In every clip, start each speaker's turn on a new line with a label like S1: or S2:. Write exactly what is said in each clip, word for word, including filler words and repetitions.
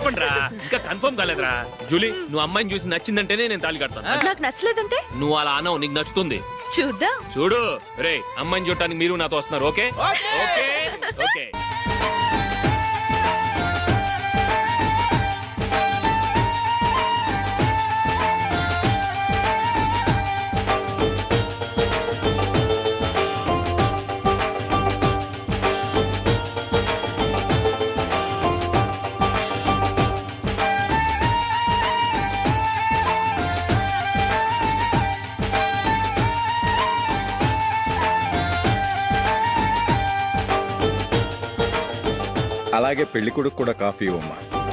S1: చెప్పండి రా, ఇంకా కన్ఫర్మ్ కాలేదురా. జూలీ, నువ్వు అమ్మాయిని చూసి నచ్చిందంటేనే నేను తాళి కడతాను.
S2: నాకు నచ్చలేదంటే
S1: నువ్వు అలా అనవు, నీకు నచ్చుతుంది.
S2: చూద్దాం.
S1: చూడు రే, అమ్మాయిని చూడటానికి మీరు నాతో వస్తున్నారు. Okay okay okay.
S3: అలాగే పెళ్లి కొడుకు కూడా కాఫీ ఇవ్వమ్మా.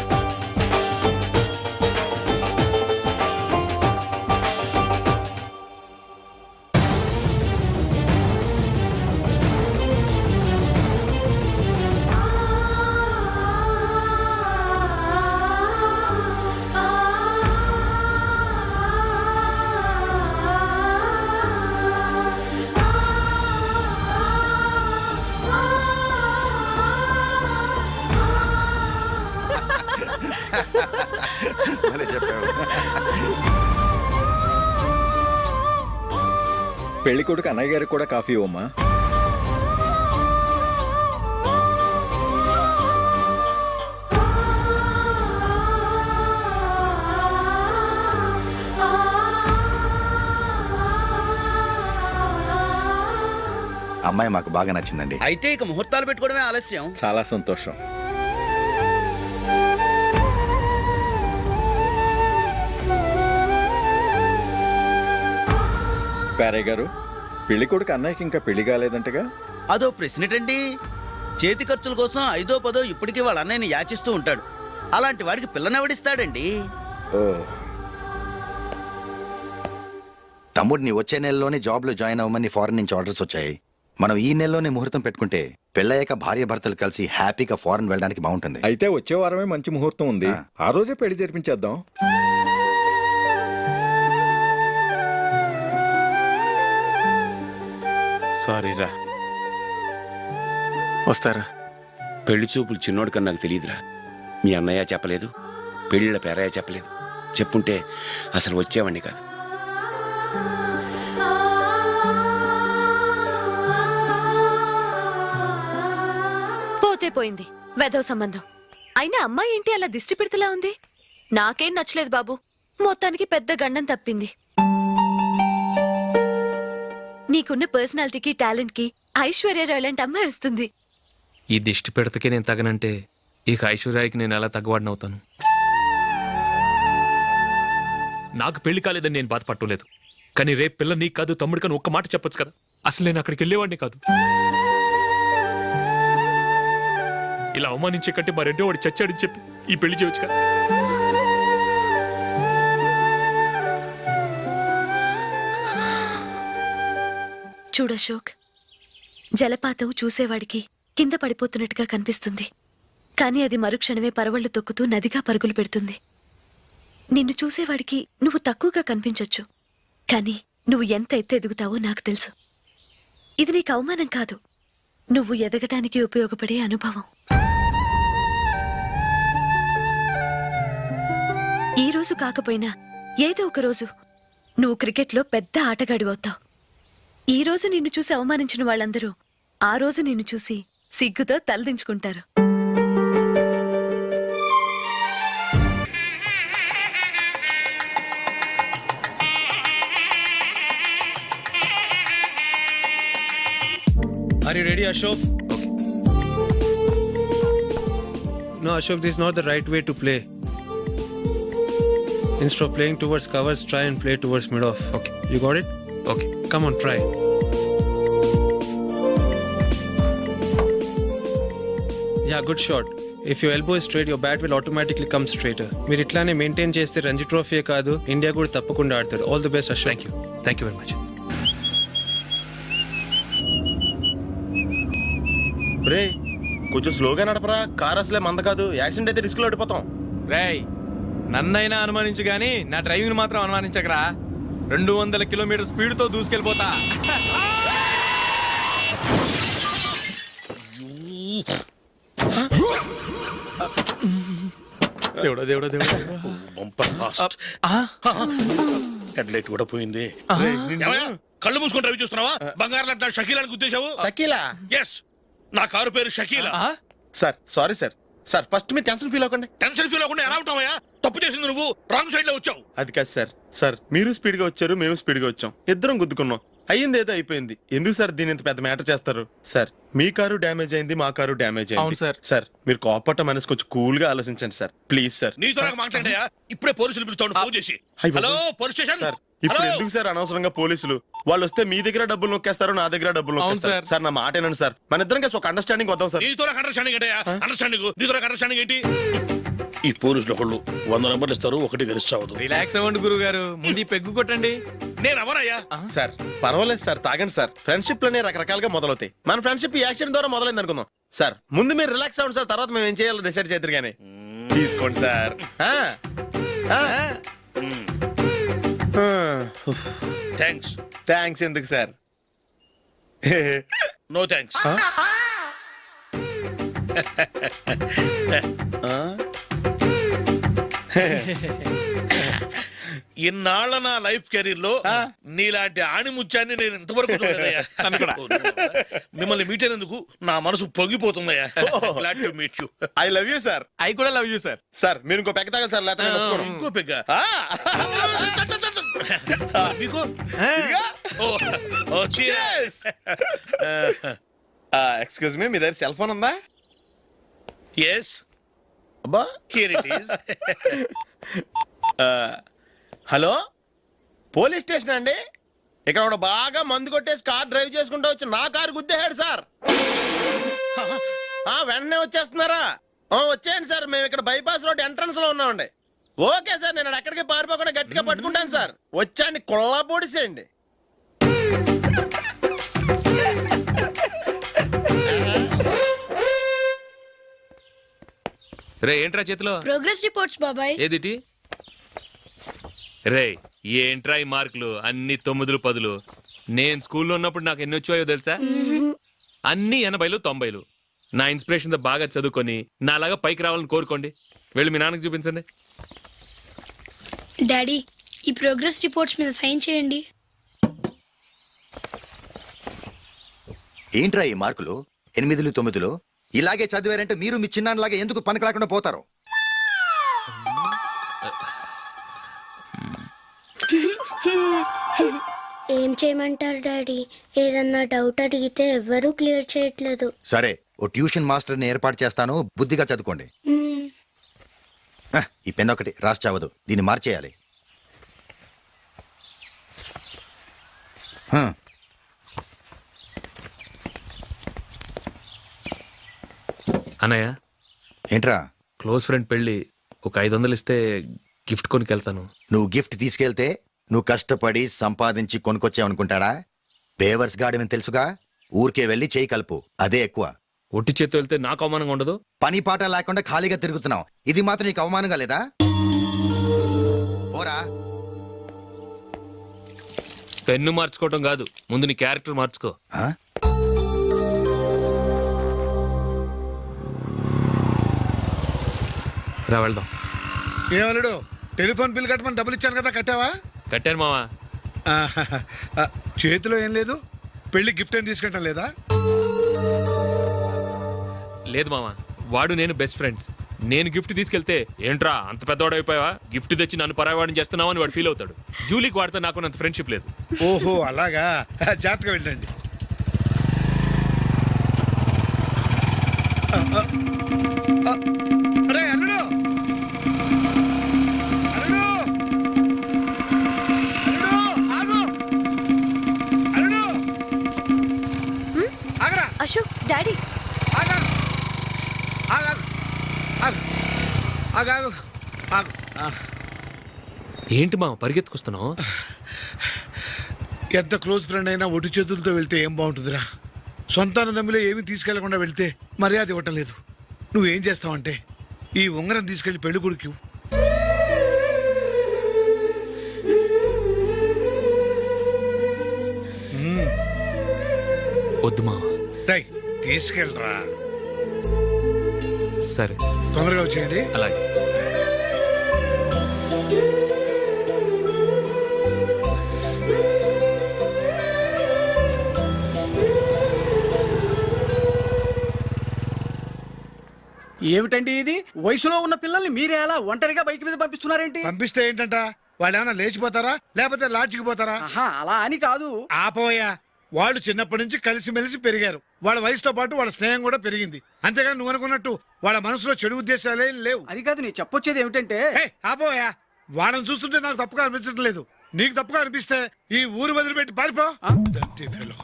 S3: పెళ్లి కొడుకు అన్నయ్య గారికి కూడా కాఫీ ఇవ్వమ్మా.
S4: అమ్మాయి మాకు బాగా నచ్చిందండి.
S5: అయితే ఇక ముహూర్తాలు పెట్టుకోవడమే ఆలస్యం.
S3: చాలా సంతోషం. పేరయ్య గారు, పెళ్లి కొడుకు అన్నయ్యకి ఇంకా పెళ్లి కాలేదంటగా?
S5: అదో ప్రశ్నటండి. చేతి ఖర్చుల కోసం ఐదో పదో ఇప్పటికీ వాళ్ళ అన్నయ్యని యాచిస్తూ ఉంటాడు. అలాంటి వాడికి పిల్లనెవడిస్తాడండి?
S3: ఓ,
S4: తమ్ముడిని వచ్చే నెలలోనే జాబ్ లో జాయిన్ అవ్వమని ఫారెన్ నుంచి ఆర్డర్స్ వచ్చాయి. మనం ఈ నెలలోనే ముహూర్తం పెట్టుకుంటే పెళ్ళయ్యాక భార్య భర్తలు కలిసి హ్యాపీగా ఫారెన్ వెళ్ళడానికి బాగుంటుంది.
S3: అయితే వచ్చే వారమే మంచి ముహూర్తం ఉంది. ఆ రోజే పెళ్లి జరిపించేద్దాం.
S6: సారీరా, వస్తారా?
S7: పెళ్లి చూపులు చిన్నోడు కన్నా నాకు తెలియదురా. మీ అన్నయ్య చెప్పలేదు, పెళ్ళిళ్ళ పేరయ్య చెప్పలేదు. చెప్పుంటే అసలు వచ్చేవాడిని కాదు.
S2: పోతే పోయింది వెధవ సంబంధం. అయినా అమ్మాయి ఏంటి అలా దిష్టి పెడతలా ఉంది? నాకేం నచ్చలేదు బాబు. మొత్తానికి పెద్ద గండం తప్పింది. నీకున్న పర్సనాలిటీకి టాలెంట్ కి ఐశ్వర్యరాయ్ లాంటి అమ్మాయి వస్తుంది.
S1: ఈ దిష్టి పెడతకే నేను తగనంటే ఇక ఐశ్వర్యానికి నేను ఎలా తగ్గవాడినవుతాను? నాకు పెళ్లి కాలేదని నేను బాధపట్టలేదు, కానీ రేపు పిల్ల నీకు కాదు తమ్ముడు కానీ ఒక్క మాట చెప్పొచ్చు కదా. అసలు నేను అక్కడికి వెళ్ళేవాడిని కాదు. ఇలా అవమానించే కంటే మా రెండో వాడు చచ్చాడని చెప్పి ఈ పెళ్లి చేయొచ్చు కదా.
S2: చూడశోక్, జలపాతం చూసేవాడికి కింద పడిపోతున్నట్టుగా కనిపిస్తుంది, కానీ అది మరుక్షణమే పరవళ్లు తొక్కుతూ నదిగా పరుగులు పెడుతుంది. నిన్ను చూసేవాడికి నువ్వు తక్కువగా కనిపించొచ్చు, కానీ నువ్వు ఎంత ఎత్తు ఎదుగుతావో నాకు తెలుసు. ఇది నీకు అవమానం కాదు, నువ్వు ఎదగటానికి ఉపయోగపడే అనుభవం. ఈ రోజు కాకపోయినా ఏదో ఒక రోజు నువ్వు క్రికెట్లో పెద్ద ఆటగాడి అవుతావు. ఈ రోజు నిన్ను చూసి అవమానించిన వాళ్ళందరూ ఆ రోజు నిన్ను చూసి సిగ్గుతో తలదించుకుంటారు.
S6: Are you ready, Ashok?
S1: Okay.
S6: No, Ashok, this is not the right way to play. Instead of playing towards covers, try and play towards mid-off.
S1: Okay.
S6: You got it?
S1: Okay.
S6: Come on, try. Yeah, good shot. If your elbow is straight, your bat will automatically come straighter. మీరు ఇట్లానే maintain చేస్తే Ranji trophy కాదు, India కూడా తప్పకుండా ఆడతాడు. All the best, Ashok.
S1: Thank you thank you very much.
S8: రే, కొంచెం స్లోగా నడపరా. కార్ అసలే మంద కాదు. యాక్సిడెంట్ అయితే రిస్క్ లో ఓడిపోతాం.
S6: రేయ్, నన్నైనా అనుమానించు గానీ నా డ్రైవింగ్ మాత్రం అనుమానించకరా. రెండు వందల కిలోమీటర్ స్పీడ్ తో దూసుకెళ్ళిపోతా. దేవుడా దేవుడా దేవుడా
S9: బంపర్ ఫాస్ట్ హెడ్ లైట్ కూడా పోయింది ఏమయ్యా, కళ్ళు మూసుకొని రవి చూస్తున్నావా? బంగారం లాంటి షకీలాని గుద్దేశావు.
S8: షకీలా
S9: ఎస్, నా కారు పేరు Shakeela.
S8: Sir sorry sir sir first మీరు టెన్షన్ ఫీల్ అవ్వకండి.
S9: టెన్షన్ ఫీల్ అవ్వకుండా ఎలా ఉంటావయ్యా? తప్పు చేసింది నువ్వు, రాంగ్ సైడ్ లో వచ్చావు.
S8: అది కాదు సార్ సార్ మీరు స్పీడ్ గా వచ్చారు, మేము స్పీడ్ గా వచ్చాం, ఇద్దరం గుద్దుకున్నాం. అయ్యింది ఏదో అయిపోయింది. ఎందుకు సార్ దీని ఇంత పెద్ద మ్యాటర్ చేస్తారు? సార్ మీ కారు డ్యామేజ్ అయింది, మా కారు డ్యామేజ్
S6: అవును
S8: అయింది.
S6: సార్.
S8: సార్ మీరు కోపట్ట మనసు కొంచెం కూల్ గా ఆలోచించండి సార్ ప్లీజ్ సార్.
S9: నీతో నాకు మాట్లాడాయా? ఇప్పుడే పోలీసులు పిలుస్తాను, ఫోన్ చేసి.
S8: అయ్ బాబోయ్.
S9: Hello police station.
S8: సార్ ఇప్పుడు ఎందుకు సార్ అనవసరంగా పోలీసులు? వాళ్ళు వస్తే మీ దగ్గర డబ్బులు నొక్కేస్తారు, నా దగ్గర డబ్బులు
S6: అవును
S8: నొక్కేస్తారు.
S6: సార్.
S8: సార్ నా మాట ఏనండి సార్, మన ఇద్దరం కలిసి ఒక అండర్స్టాండింగ్ వద్దాం సార్.
S9: నీతో నాకు అండర్స్టాండింగ్ ఏంటయ్యా? అండర్స్టాండింగ్ నీతో నాకు అండర్స్టాండింగ్ ఏంటి? ఈ పోలీసులు ఒకళ్ళు వంద నెంబర్లు ఇస్తారు, ఒకటి గెలిచావదు.
S6: రిలాక్స్ అవ్వండి గురువు గారు, ముందు ఈ పెగ్గు కొట్టండి.
S9: నేను ఎవరయ్యా?
S8: సార్ పర్వాలేదు సార్, తాగండి సార్. ఫ్రెండ్షిప్ లోనే రకరకాలుగా మొదలవుతాయి. మన ఫ్రెండ్షిప్ ఈ యాక్షన్ ద్వారా మొదలైంది అనుకుందాం. సార్ ముందు మీరు రిలాక్స్ అవ్వండి సార్, తర్వాత మేము ఏం చేయాలో డిసైడ్ చేద్దరు కానీ. తీసుకోండి సార్. ఆ, ఆ. ఆ.
S9: థ్యాంక్స్.
S8: థ్యాంక్స్ ఎందుకు సార్?
S9: No thanks. ఇన్నాళ్ళ నా లైఫ్ కెరీర్ లో నీలాంటి ఆణిముత్యాన్ని నేను ఇంతవరకు చూడలేదయ్యా. మిమ్మల్ని మీట్ అయినందుకు నా మనసు పొంగిపోతుందయ్యా. Glad to meet you.
S8: I love you sir.
S6: I కూడా లవ్ యూ సార్.
S8: సార్ మీరు ఇంకో పెక్క తాగండి సార్, లేకపోతే నేను ఒప్పుకోను.
S9: ఇంకో పెగ్గ మీకు?
S8: ఎక్స్క్యూజ్ మీ, మీ దగ్గర సెల్ ఫోన్ ఉందా?
S9: ఎస్,
S8: అబ్బా.
S9: Here it is.
S8: Hello police station అండి. ఇక్కడ ఒకడు బాగా మందు కొట్టేసి కార్ డ్రైవ్ చేసుకుంటూ వచ్చి నా కారు గుద్దేశాడు సార్. ఆ, వెంటనే వచ్చేస్తున్నారా? ఆ, వచ్చేయండి సార్, మేము ఇక్కడ బైపాస్ రోడ్ ఎంట్రన్స్ లో ఉన్నామండి. ఓకే సార్, నేను ఎక్కడికి పారిపోకుండా గట్టిగా పట్టుకుంటాను సార్. వచ్చాండి, కుళ్ళ పొడిసేయండి.
S1: రే ఏంట్రా చేతిలో?
S10: ప్రోగ్రెస్ రిపోర్ట్స్ బాబాయ్.
S1: ఏదిటి? రే ఏంట్రా ఈ మార్కులు అన్ని తొమ్మిదిలు పదులు? నేను స్కూల్లో ఉన్నప్పుడు నాకు ఎన్ని వచ్చాయో తెలుసా? అన్ని ఎనభైలు తొంభైలు. నా ఇన్స్పిరేషన్ తో బాగా చదువుకొని నాలాగా పైకి రావాలని కోరుకోండి. వెళ్ళి మీ నాన్నకి చూపించండి.
S10: డాడీ, ఈ ప్రోగ్రెస్ రిపోర్ట్స్ మీద సైన్ చేయండి.
S4: ఏంట్రా ఈ మార్కులు ఎనిమిదిలు తొమ్మిదిలు? ఇలాగే చదివారంటే మీరు మీ చిన్నాన్నలాగా ఎందుకు పనికి రాకుండా పోతారు?
S11: ఏం చేయమంటారు డాడీ? ఏదన్నా డౌట్ అడిగితే ఎవ్వరూ క్లియర్ చేయట్లేదు.
S4: సరే, ఓ ట్యూషన్ మాస్టర్ని ఏర్పాటు చేస్తాను, బుద్ధిగా చదువుకోండి.
S11: మ్మ్.
S4: ఆ, ఈ పెన్ ఒకటి రాసి చావదు, దీన్ని మార్చేయాలి. హ.
S1: అన్నయ్య,
S4: ఏంట్రా?
S1: క్లోజ్ ఫ్రెండ్ పెళ్ళి, ఒక ఐదు వందలు ఇస్తే గిఫ్ట్ కొనికెళ్తాను.
S4: నువ్వు గిఫ్ట్ తీసుకెళ్తే నువ్వు కష్టపడి సంపాదించి కొనుక్కొచ్చావనుకుంటాడా? బేవర్స్ గాడమని తెలుసుగా. ఊరికే వెళ్ళి చేయి కలుపు, అదే ఎక్కువ.
S1: ఒట్టి చేత్తో వెళ్తే నాకు అవమానంగా ఉండదు?
S4: పని పాట లేకుండా ఖాళీగా తిరుగుతున్నావు, ఇది మాత్రం నీకు అవమానంగా లేదా? పోరా.
S1: పెన్ను మార్చుకోవటం కాదు, ముందు నీ క్యారెక్టర్ మార్చుకో.
S4: ఆ?
S1: రా వెళ్దాం.
S12: ఏమలుడు, టెలిఫోన్ బిల్ కట్టమని డబ్బులు ఇచ్చాను కదా, కట్టావా?
S1: కట్టాను మావా.
S12: ఆహాహా. ఆ, చేతిలో ఏం లేదు, పెళ్లి గిఫ్ట్ ఏం తీసుకుంటాం లేదా?
S1: లేదు మావా, వాడు నేను బెస్ట్ ఫ్రెండ్స్. నేను గిఫ్ట్ తీసుకెళ్తే ఏంట్రా అంత పెద్దవాడు అయిపోయావా, గిఫ్ట్ తెచ్చి నన్ను పరాయవాడిని చేస్తున్నావు అని వాడు ఫీల్ అవుతాడు. జూలీకి వాడితే నాకు అంత ఫ్రెండ్షిప్ లేదు.
S12: ఓహో అలాగా, జాగ్రత్తగా వెళ్ళండి. ఆ, ఆ, ఆ, అరే అల్లుడు, అల్లుడు, అల్లుడు, ఆగు, అల్లుడు, ఆగరా,
S2: అశోక్, డాడీ.
S12: ఆగా, ఆగా, ఆగు, ఆగు, ఆగు, ఆగు. ఆ.
S1: ఏంటి మా పరిగెత్తుకొస్తున్నావు?
S12: ఎంత క్లోజ్ ఫ్రెండ్ అయినా ఒటి చేతులతో వెళ్తే ఏం బాగుంటుందిరా? సొంతాన దమ్మిలో ఏమీ తీసుకెళ్లకుండా వెళ్తే మర్యాద ఇవ్వటం లేదు. నువ్వేం చేస్తావంటే ఈ ఉంగరం తీసుకెళ్లి పెళ్లి కొడుకు
S1: వద్దు మా.
S12: రై తీసుకెళ్ళరా.
S1: సరే
S12: తొందరగా వచ్చేయండి.
S1: అలాగే.
S5: ఏమిటండి ఇది వయసులో ఉన్న పిల్లల్ని మీరే అలా ఒంటరిగా బైక్ మీద పంపిస్తున్నారేంటి?
S12: పంపిస్తే ఏంటంట వాళ్ళు ఏమైనా లేచిపోతారా లేకపోతే లాడ్జికి పోతారా?
S5: ఆహా, అలా అని కాదు.
S12: ఆపోయా, వాళ్ళు చిన్నప్పటి నుంచి కలిసిమెలిసి పెరిగారు. వాళ్ళ వయసుతో పాటు వాళ్ళ స్నేహం కూడా పెరిగింది. అంతేగాని నువ్వు అనుకున్నట్టు వాళ్ళ మనసులో చెడు ఉద్దేశాలే లేవు.
S5: అది కాదు నేను చెప్పొచ్చేది ఏమిటంటే,
S12: ఏయ్, ఆపోయా, వాళ్ళని చూస్తుంటే నాకు తప్పుగా అనిపించడం లేదు. నీకు తప్పుగా అనిపిస్తే ఈ ఊరు వదిలిపెట్టి పారిపో. Dirty fellow.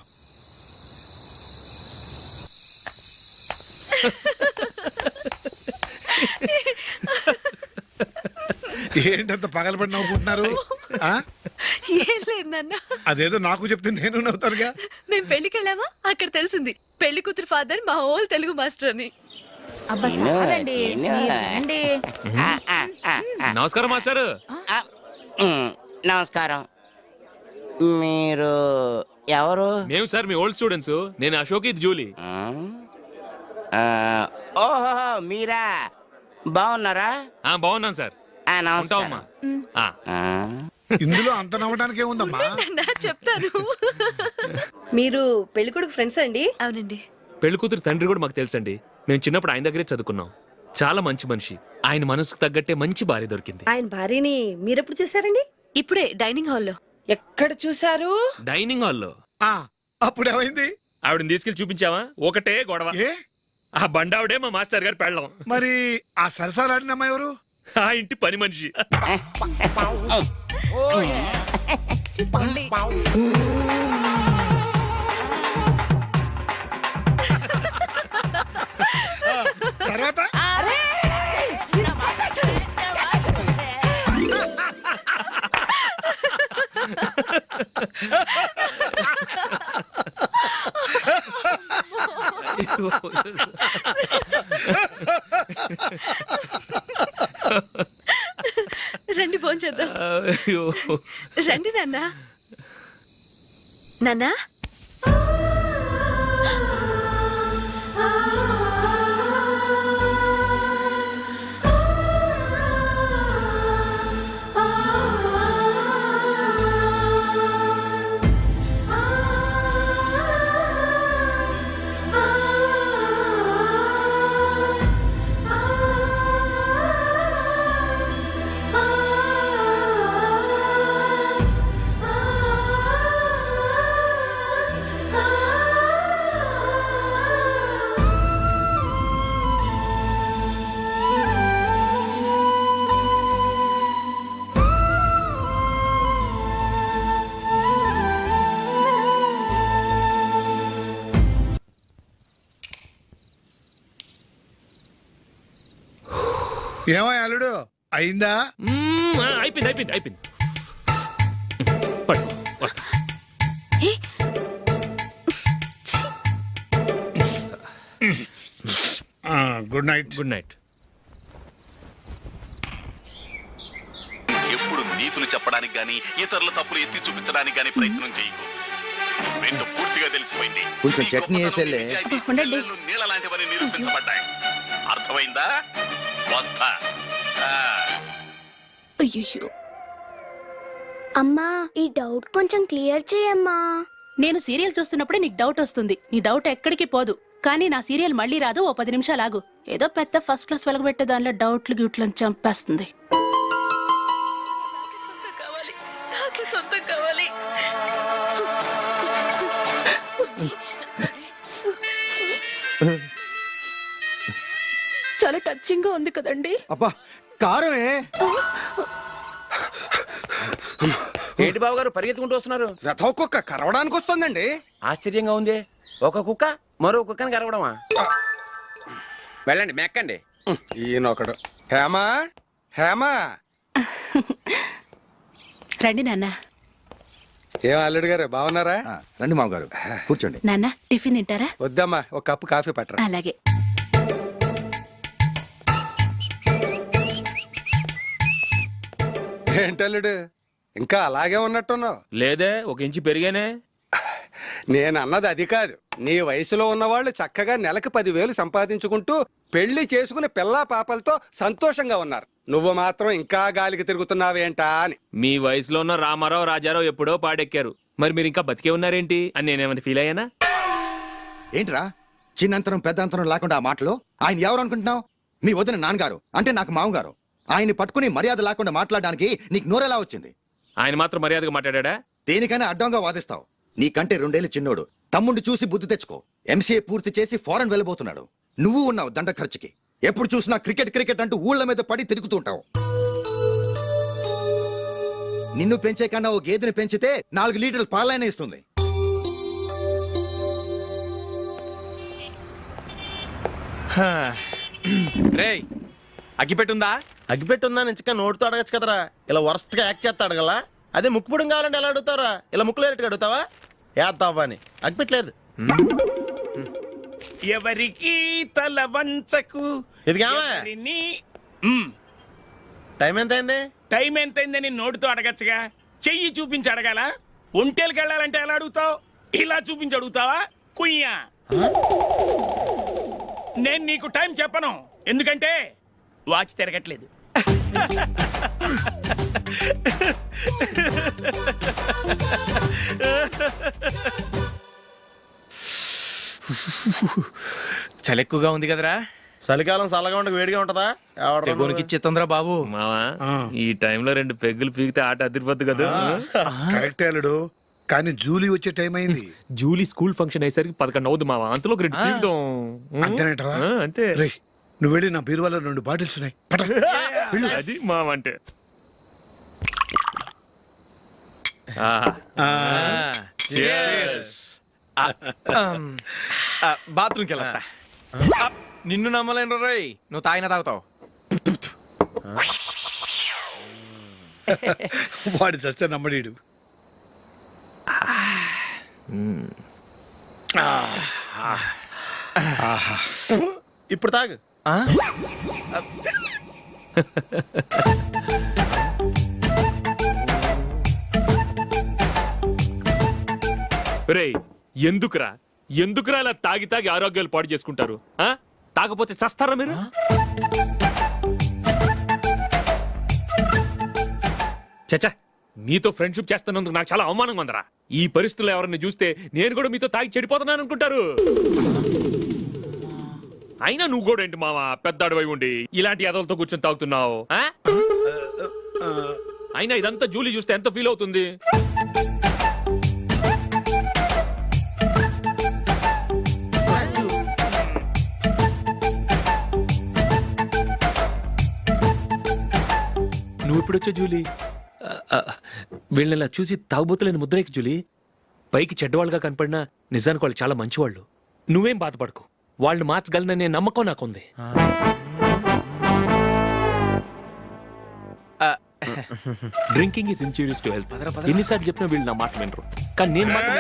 S12: ఏంటంత పగలబడి నవ్వుకుంటున్నారు? ఆ?
S2: ఏం లేదు నాన్న,
S12: అదేదో నాకు చెప్తే నేను నవ్వుతానుగా.
S2: మేము పెళ్లికి వెళ్ళామా, అక్కడ తెలిసింది పెళ్లి కూతురు ఫాదర్ మా హోల్ తెలుగు మాస్టర్ అని.
S1: నమస్కారం మాస్టర్.
S5: నమస్కారం. మీరు ఎవరు?
S1: మేము సార్ మీ ఓల్డ్ స్టూడెంట్స్. నేను అశోక్, ఇది జూలీ.
S5: ఓహో మీరా, బాగున్నారా?
S1: ఆ బాగున్నాం సార్. ఉంటావమ్మా. ఆ.
S12: ఇందులో అంత నవ్వడానికి ఏముందమ్మా?
S2: నాన్న, చెప్తాను.
S13: మీరు పెళ్ళికొడుకు ఫ్రెండ్స్ అండి?
S2: అవునండి.
S1: పెళ్లి కూతురు తండ్రి కూడా మాకు తెలుసండి. మేము చిన్నప్పుడు ఆయన దగ్గరే చదువుకున్నాం. చాలా మంచి మనిషి. ఆయన మనసుకు తగ్గట్టే మంచి భార్య దొరికింది.
S13: ఆయన భార్యని మీరెప్పుడు చూసారండి?
S2: ఇప్పుడే డైనింగ్ హాల్లో.
S13: ఎక్కడ చూసారు?
S1: డైనింగ్ హాల్లో.
S12: ఆ, అప్పుడు ఏమైంది?
S1: ఆవిడని తీసుకెళ్లి చూపించావా? ఒకటే గొడవ.
S12: ఏ
S1: ఆ బండావిడే మా మాస్టర్ గారు పెళ్ళం.
S12: మరి ఆ సరసాలాడిన అమ్మాయి ఎవరు?
S1: ఆ ఇంటి పని మనిషి.
S12: తర్వాత
S2: రండి భోంచేద్దాం.
S1: అయ్యో.
S2: రండి నాన్న. నాన్నా,
S12: ఏమో అల్లుడు, అయిందా?
S1: మ్మ్, ఆ, అయిపోయింది అయిపోయింది అయిపోయింది. పడు, వస్తా.
S12: Good night.
S1: Good night.
S4: ఎప్పుడు నీతులు చెప్పడానికి గాని ఇతరుల తప్పులు ఎత్తి చూపించడానికి గాని ప్రయత్నం చేయకు. రెండు పూర్తిగా తెలిసిపోయింది. కొంచెం చట్నీ వేసేలే. నీళ్ళ లాంటివని నిరూపించబడ్డాయి. అర్థమైందా? వస్తా.
S11: అయ్యో, అమ్మా ఈ డౌట్ కొంచెం క్లియర్ చేయమ్మా.
S10: నేను సీరియల్ చూస్తున్నప్పుడే నీకు డౌట్ వస్తుంది. నీ డౌట్ ఎక్కడికి పోదు. కానీ నా సీరియల్ మళ్ళీ రాదు. ఓ పది నిమిషాలు ఆగు. ఏదో పెద్ద ఫస్ట్ క్లాస్ వెలగబెట్టే దానిలో డౌట్లు గ్యూట్లను చంపేస్తుంది.
S2: సొంతం కావాలి.
S10: చాలా టచింగ్ గా ఉంది కదండి.
S4: అబ్బా కారమే.
S7: ఏంటి బాబు గారు పరిగెత్తుకుంటూ వస్తున్నారు?
S8: రథం కుక్క కరవడానికి వస్తుందండి.
S7: ఆశ్చర్యంగా ఉంది. ఒక కుక్క మరో కుక్కని కరవడమా? వెళ్ళండి, మెక్కండి.
S8: ఈయనొకడు. హేమా, హేమా.
S10: రండి నాన్న.
S8: ఏం అల్లుడు గారు బాగున్నారా?
S4: రండి మామగారు, కూర్చోండి.
S10: నాన్న టిఫిన్ తింటారా?
S8: వద్దమ్మా, ఒక కప్పు కాఫీ పట్టరా.
S10: అలాగే.
S8: ఏంటల్లుడు ఇంకా అలాగే ఉన్నట్టున్నావు?
S1: లేదే, ఒక ఇంచు పెరిగానే.
S8: నేను అన్నది అది కాదు. నీ వయసులో ఉన్నవాళ్ళు చక్కగా నెలకు పదివేలు సంపాదించుకుంటూ పెళ్లి చేసుకుని పిల్లా పాపలతో సంతోషంగా ఉన్నారు.
S14: నువ్వు మాత్రం ఇంకా గాలికి తిరుగుతున్నావేంటా అని.
S1: మీ వయసులో ఉన్న రామారావు రాజారావు ఎప్పుడో పాడెక్కారు, మరి మీరు ఇంకా బతికే ఉన్నారేంటి అని నేనేమైనా ఫీల్ అయ్యానా?
S3: ఏంట్రా చిన్నంతరం పెద్దంతరం లేకుండా ఆ మాటలు? ఆయన ఎవరు అనుకుంటున్నావు? మీ వదిన నాన్నగారు, అంటే నాకు మామగారు. ఆయన్ని పట్టుకుని మర్యాద లేకుండా మాట్లాడడానికి నీకు నోరెలా వచ్చింది?
S1: ఆయన మాత్రం మర్యాదగా మాట్లాడా?
S3: దేనికైనా అడ్డంగా వాదిస్తావు. నీకంటే రెండేళ్ళు చిన్నోడు. తమ్ముండి చూసి బుద్ధి తెచ్చుకో. ఎంసీఏ పూర్తి చేసి ఫారెన్ వెళ్ళబోతున్నాడు. నువ్వు ఉన్నావు దండ ఖర్చుకి. ఎప్పుడు చూసినా క్రికెట్ క్రికెట్ అంటూ ఊళ్ళ మీద పడి తిరుగుతూ ఉంటావు. నిన్ను పెంచే కన్నా ఓ గేదెని పెంచితే నాలుగు లీటర్ల పాలైనా ఇస్తుంది.
S6: రేయ్ అగ్గిపెట్టుందా?
S8: అగ్గిపెట్టుందా నుంచి నోటితో అడగచ్చు కదరా. ఇలా వరస్ట్ గా యాక్ట్ చేస్తా అడగలా? అదే ముక్కుపుడం కావాలంటే ఎలా అడుగుతారా? ఇలా ముక్కులేటట్టు అడుగుతావా? ఏత్తావా అని. అగ్గిపెట్టలేదు.
S9: ఎవరికి తల వంచకు.
S8: ఇదిగామా టైం ఎంత అయింది?
S9: టైం ఎంతైందని నోటితో అడగచ్చుగా, చెయ్యి చూపించి అడగాల. ఒంటేలకు వెళ్ళాలంటే ఎలా అడుగుతావు? ఇలా చూపించి అడుగుతావా? కుయ్యా, నేను నీకు టైం చెప్పను, ఎందుకంటే వాచ్ తిరగట్లేదు.
S6: చలి ఎక్కువగా ఉంది కదరా.
S8: చలికాలం చల్లగా ఉండక వేడిగా ఉంటదా?
S6: తెగోనికి ఇచ్చేతుందిరా బాబు.
S1: మావా ఈ టైంలో రెండు పెగ్గులు పీకితే ఆట అదిరిపోద్దు కదా.
S12: కరెక్టే అల్లుడు, కానీ జూలీ వచ్చే టైం అయింది.
S1: జూలీ స్కూల్ ఫంక్షన్ అయ్యేసరికి పదకొండు అవుద్ది మావా. అంతలో ఒక రెండు పీకుతాం.
S12: అంతేనేటవా?
S1: ఆ, అంతే.
S12: రేయ్ నువ్వు వెళ్ళి నా బీరువాలో రెండు బాటిల్స్ ఉన్నాయి, పట. వెళ్ళు.
S1: అది మావ అంటే. ఆహా.
S6: బాత్రూమ్కి వెళ్ళా. నిన్ను నమ్మలేను రోయ్, నువ్వు తాగినా తాగుతావు.
S12: వాడి చస్తే నమ్మడీడు.
S8: ఇప్పుడు తాగు.
S1: రేయ్ ఎందుకురా ఎందుకురా ఇలా తాగి తాగి ఆరోగ్యాలు పాడు చేసుకుంటారు? ఆ తాగపోతే చస్తారా మీరు? చచ్చా, మీతో ఫ్రెండ్షిప్ చేస్తున్నందుకు నాకు చాలా అవమానంగా ఉందరా. ఈ పరిస్థితుల్లో ఎవరిని చూస్తే నేను కూడా మీతో తాగి చెడిపోతున్నాను అనుకుంటారు. అయినా నువ్వు కూడా ఏంటి మావా, పెద్ద అడవై ఉండి ఇలాంటి ఎదలతో కూర్చొని తాగుతున్నావు? ఆ? అయినా ఇదంతా జూలీ చూస్తే ఎంత ఫీల్ అవుతుంది? నువ్వు ఇప్పుడొచ్చా జూలీ? వీళ్ళని ఇలా చూసి తాగుబోతులేని ముద్రేకి జూలీ. పైకి చెడ్డవాళ్ళుగా కనపడినా నిజానికి వాళ్ళు చాలా మంచివాళ్ళు. నువ్వేం బాధపడకు, వాళ్ళని మార్చగలననే నమ్మకం నాకుంది. Drinking is injurious to health. ఎన్నిసార్లు చెప్పినా వీళ్ళు నా మాట వినరు, కానీ నేను మాత్రం.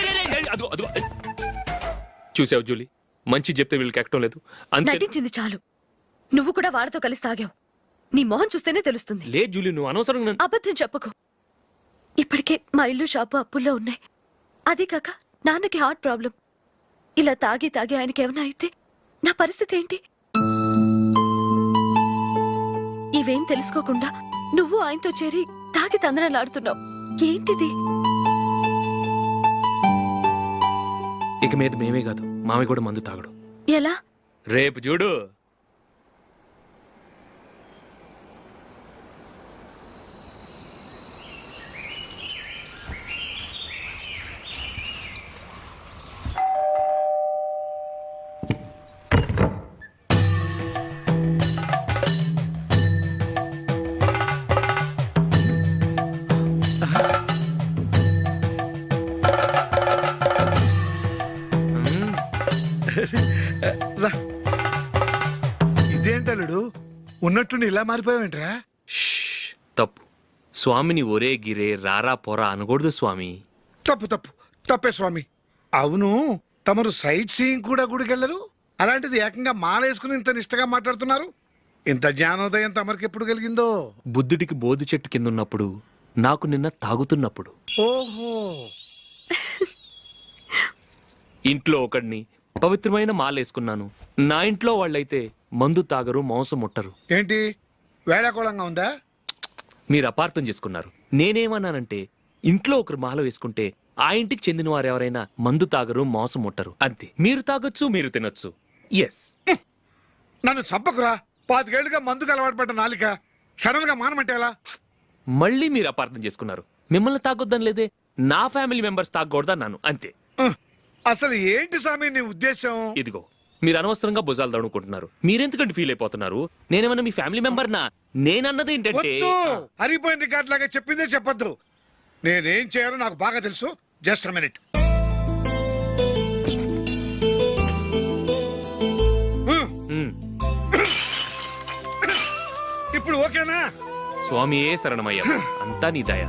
S1: చూసావు జూలీ, మంచి చెప్తే వీళ్ళకి ఎక్కడం లేదు. అంతే.
S2: నటించింది చాలు. నువ్వు కూడా వాళ్ళతో కలిసి తాగావు. నీ మొహం చూస్తేనే తెలుస్తుంది.
S1: లే జూలీ, నువ్వు అనవసరంగా నన్ను-
S2: అబద్ధం చెప్పకు. ఇప్పటికే మా ఇల్లు షాపు అప్పుల్లో ఉన్నాయి. అదే కాక నాన్నకి హార్ట్ ప్రాబ్లం. ఇలా తాగి తాగి ఆయనకి ఏమైనా అయితే నా పరిస్థితి ఏంటి? ఇవేం తెలుసుకోకుండా నువ్వు ఆయనతో చేరి తాగి తందనలాడుతున్నావు. ఏంటిది?
S1: ఇక మీద మేమే కాదు, మామి కూడా మందు తాగడు.
S2: ఎలా?
S1: రేపు చూడు.
S12: ఇదేంటలుడు, ఉన్నట్టుండి ఇలా మారిపోయావేంట్రా?
S1: షష్, తప్పు. స్వామిని ఒరే గిరే రారా పోరా అనకూడదు స్వామి.
S12: తప్పు తప్పు తప్పే స్వామి. అవును, తమరు సైట్ సీయింగ్ కూడా గుడికెళ్ళరు, అలాంటిది ఏకంగా మాలేసుకుని ఇంత నిష్టగా మాట్లాడుతున్నారు. ఇంత జ్ఞానోదయం తమరికి ఎప్పుడు కలిగిందో?
S1: బుద్ధుడికి బోధి చెట్టు కింద ఉన్నప్పుడు, నాకు నిన్న తాగుతున్నప్పుడు.
S12: ఓహో.
S1: ఇంట్లో ఒకడిని పవిత్రమైన మాలేసుకున్నాను. నా ఇంట్లో వాళ్ళైతే మందు తాగరు, మాంసం ముట్టరు.
S12: ఏంటి వేళాకోళంగా ఉందా?
S1: మీరు అపార్థం చేసుకున్నారు. నేనేమన్నానంటే ఇంట్లో ఒకరు మాల వేసుకుంటే ఆ ఇంటికి చెందిన వారు ఎవరైనా మందు తాగరు, మోసం ముట్టరు అంతే. మీరు తాగొచ్చు, మీరు తినొచ్చు. ఎస్.
S12: నన్ను చంపకురా. పాతికేళ్లుగా మందుకు అలవాటు పడ్డ నాలిక సడన్ గా మానమంటే ఎలా?
S1: మళ్ళీ మీరు అపార్థం చేసుకున్నారు. మిమ్మల్ని తాగొద్దని లేదే, నా ఫ్యామిలీ మెంబర్స్ తాగకూడదన్నాను అంతే.
S12: ఉహ్, అసలు ఏంటి స్వామి నీ ఉద్దేశం?
S1: ఇదిగో మీరు అనవసరంగా భుజాలు దడుకుంటున్నారు. మీరెందుకంటే ఫీల్ అయిపోతున్నారు? నేనేమన్నా మీ ఫ్యామిలీ మెంబర్ నా? నేనన్నది ఏంటంటే
S12: వద్దు, హరిపోయిన రికార్డ్ లాగా చెప్పిందే చెప్పొద్దు. నేనేం చేయాలో నాకు బాగా తెలుసు. Just minute.
S1: ఉమ్,
S12: ఇప్పుడు ఓకేనా?
S1: స్వామి ఏ శరణమయ్య, అంతా నీ దయ.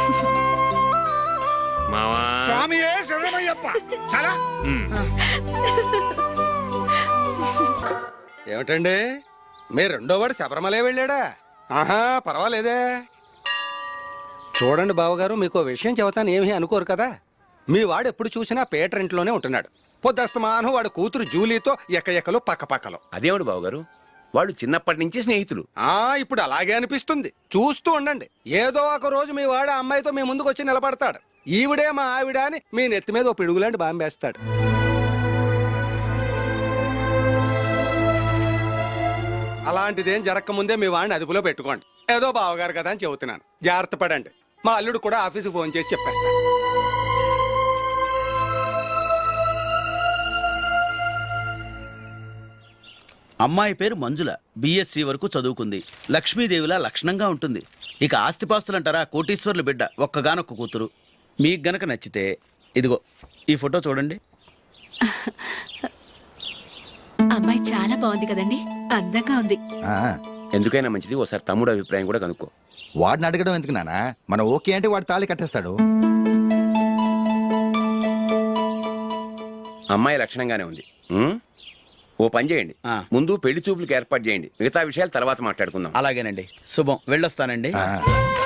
S1: మావా
S12: స్వామియే శరణమయ్యప్ప. చాలా
S1: ఉమ్.
S14: ఏమిటండి మీ రెండో వాడు శబరిమలే వెళ్ళాడా? ఆహా పర్వాలేదే. చూడండి బావగారు, మీకు విషయం చెబుతాను, ఏమీ అనుకోరు కదా. మీ వాడు ఎప్పుడు చూసినా పేటర్ ఇంట్లోనే ఉంటున్నాడు. పొద్దస్తమానం వాడు కూతురు జూలీతో ఎక్కఎక్కలు పక్క పక్కలో.
S7: అదేమిటి బావగారు, వాళ్ళు చిన్నప్పటి నుంచి స్నేహితులు.
S14: ఆ ఇప్పుడు అలాగే అనిపిస్తుంది. చూస్తూ ఉండండి, ఏదో ఒక రోజు మీ వాడు ఆ అమ్మాయితో మీ ముందుకు వచ్చి నిలబడతాడు. ఈవిడే మా ఆవిడ అని మీ నెత్తి మీద ఓ పిడుగులాంటి బాంబేస్తాడు. అలాంటిదేం జరగకముందే మీ వాడిని అదుపులో పెట్టుకోండి. ఏదో బావగారు కదా అని చెబుతున్నాను, జాగ్రత్త పడండి. మా అల్లుడు కూడా ఆఫీసుకు ఫోన్ చేసి చెప్పేస్తాను.
S5: అమ్మాయి పేరు మంజుల, బిఎస్సి వరకు చదువుకుంది. లక్ష్మీదేవిలా లక్షణంగా ఉంటుంది. ఇక ఆస్తిపాస్తులంటారా, కోటీశ్వర్ల బిడ్డ, ఒక్కగానొక్క కూతురు. మీకు గనక నచ్చితే ఇదిగో ఈ ఫోటో చూడండి.
S10: అమ్మాయి చాలా బాగుంది కదండి, అందంగా ఉంది.
S3: ఆ,
S7: ఎందుకైనా మంచిది ఒకసారి తమ్ముడు అభిప్రాయం కూడా కనుక్కో.
S3: వాడిని అడగడం ఎందుకు నానా? మనం ఓకే అంటే వాడు తాళి కట్టేస్తాడు.
S7: అమ్మాయి లక్షణంగానే ఉంది. ఉమ్? ఓ పని చేయండి,
S5: ఆ.
S7: ముందు పెళ్లి చూపులకు ఏర్పాటు చేయండి. మిగతా విషయాలు తర్వాత మాట్లాడుకుందాం.
S5: అలాగేనండి, శుభం, వెళ్ళొస్తానండి.
S3: ఆ.